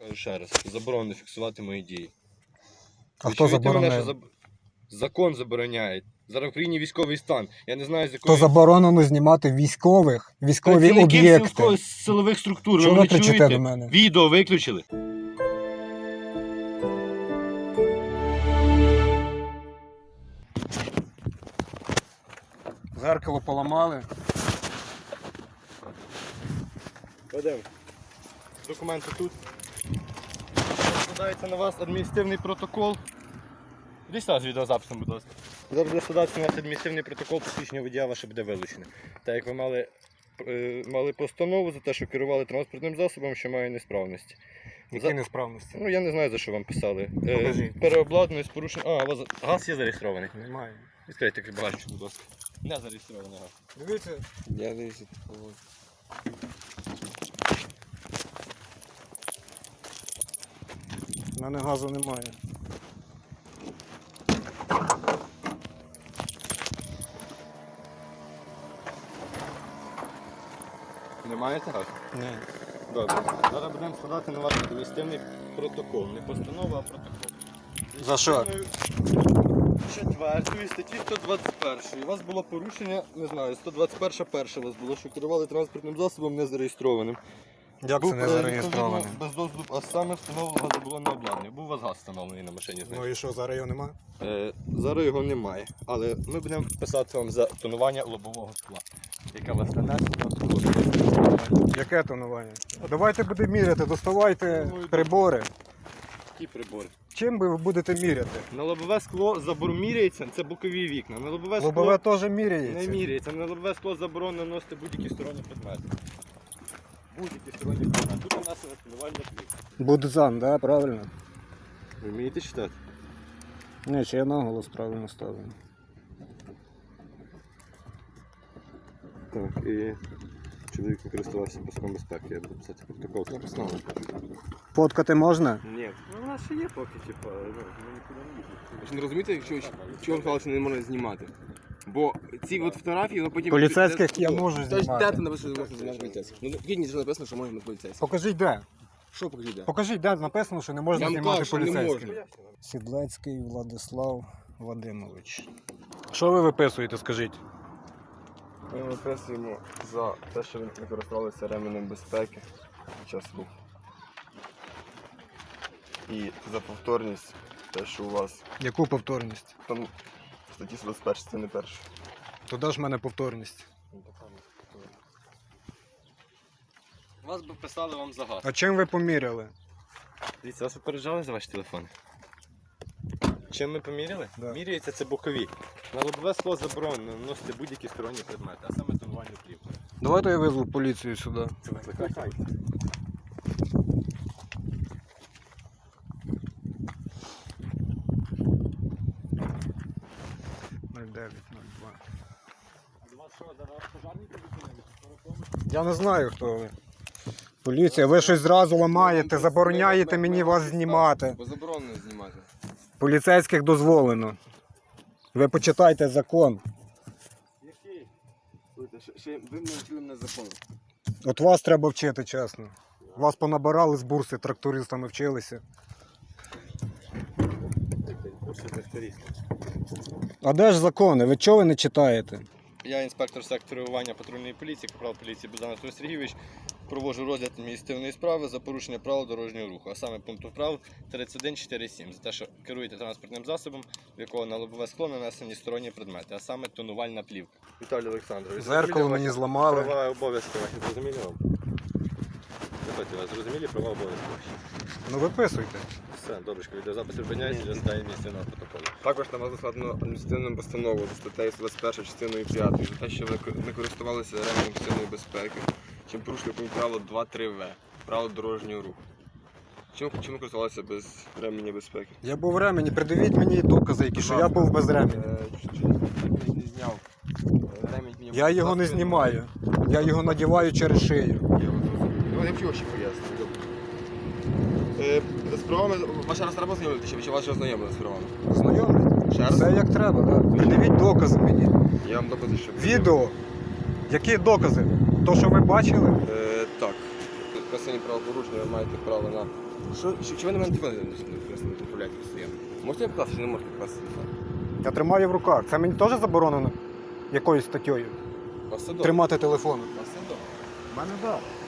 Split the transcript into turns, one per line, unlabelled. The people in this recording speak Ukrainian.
Кажу ще раз, заборонено фіксувати мої дії.
А
Ви
хто
чуєте мене,
забороняє?
що закон забороняє. Зараз в країні військовий стан. Я не знаю, з
То
якої...
заборонено знімати військові
Працівників
об'єкти.
силових структур.
Чого ви
мене
кричите
чуєте?
до мене?
Відео виключили.
Зеркало поламали.
Ведемо. Документи тут. Складається на вас адміністративний протокол. Іди сюди з відеозаписом, будь ласка. Зараз буде складатися на вас адміністративний протокол, посвідчення водія ваше буде вилучене. Так як ви мали постанову за те, що керували транспортним засобом, що має несправності.
Які несправності?
Ну я не знаю, за що вам писали.
Покажіть.
Переобладнаний з порушенням. А, у вас газ є зареєстрований?
Немає.
Відкрийте багажник, будь ласка. Не зареєстрований газ.
Дивіться.
Я дивлюся.
У мене газу немає.
Не маєте газу?
Ні.
Добре. Зараз будемо складати на вас адміністративний протокол. Не постанова, а протокол.
За що?
4 статті 121. У вас було порушення, не знаю, 121 перша у вас було, що керували транспортним засобом не зареєстрованим.
Як це не зареєстровано?
Відповідно, без доступу, а саме встановлено газобалонне обладнання. Був у вас газ встановлений на машині,
Ну і що, зараз його немає?
Зараз його немає, але ми будемо писати вам за тонування лобового скла, яке у вас нанесено.
Яке тонування? Давайте будемо міряти, доставайте прибори.
Які прибори?
Чим ви будете міряти?
На лобове скло міряється, це бокові вікна. На лобове скло
Лобове теж
не
міряється.
міряється. На лобове скло заборонено наносити будь-які сторонні предмети. Будь-які сторонні предмети. Тут у нас тонування плівки.
Будзан, да, правильно?
Ви вмієте читати?
Ні, чи я наголос правильно ставлю.
Так, і чоловік не користувався паском безпеки. Я буду писати протокол. Написано.
Фоткати можна?
Ні. Ну, у нас ще є поки, типу, ми нікуди не їдемо.
Ви ж не розумієте, чого сказали, що не можна знімати? Бо ці от фотографії, воно потім...
Поліцейських я можу знімати.
Де ти написано, що можна знімати поліцейських? Ну, в кінці написано, що можна поліцейських.
Покажіть де.
Що покажіть, де?
Покажіть, де написано, що не можна
Я вам
знімати
кажу, що не
поліцейських.
можна.
Сідлецький Владислав Вадимович. Що ви виписуєте, скажіть?
Ми виписуємо за те, що ви не користувалися ременем безпеки під час руху. І за повторність, те, що у вас
Яку повторність?
там в статті 121, це не перше.
То де ж в мене повторність?
Вас би писали вам за газ.
А чим ви поміряли?
Дивіться, вас попереджали за ваш телефон? Чим ми поміряли?
Да.
Міряється це бокові. На лобове скло заборонено наносити будь-які сторонні предмети, а саме тонування плівки.
Давайте я визву поліцію сюди.
Це викликайте.
0902. Я не знаю, хто ви. Поліція, ви щось зразу ламаєте, забороняєте мені вас знімати.
Бо заборонено знімати.
Поліцейських дозволено. Ви почитайте закон.
Який?
Ще ви не вчили на закон.
От вас треба вчити, чесно. Вас понабирали з бурси, трактористами вчилися. А де ж закони? Ви чого ви не читаєте?
Я інспектор сектору реагування патрульної поліції, капрал поліції Богдан Анатолій Сергійович. Проводжу розгляд адміністративної справи за порушення правил дорожнього руху, а саме пункту прав 31.4.7 за те, що керуєте транспортним засобом, в якого на лобове скло нанесені сторонні предмети, а саме тонувальна плівка. Віталій Олександрович,
Зеркало мені зламали.
Права і обов'язки ваші зрозуміли вам? Запитую вас, зрозумілі права і обов'язки ваші?
Ну виписуйте.
Все, добречко, відеозапис зупиняється для складання адміністративного протоколу.
Також на вас складено адміністративну постанову за статтею 21 частиною 5 за те, що ви не користувалися ременем пасивної безпеки, чим порушили пункт правило 2.3В, правило дорожнього руху. Чим ви користувалися без ременя безпеки?
Я був в ремені, придивіть мені докази, які що я був без ремені.
Не зняв. Ремінь мені
Я його не знімаю. Я його надіваю через шию.
Ну, я вчив ще пояснити. З правами, ваша раз треба знайомитися, чи вас вже знайомили з правами?
Знайомий?
Ще раз?
Все як треба, так? Придивіть докази мені.
Я вам докази, що...
Відео. Які докази? То, що ви бачили?
Так. Красиві право правопорушення, ви маєте право на... Чи ви на мене телефон не відправляєте постійно? Можете покласти, чи не можете покласти телефон?
Я тримаю в руках. Це мені теж заборонено якоюсь статтєю?
У вас все добре.
Тримати телефон.
У вас все добре.
У мене так.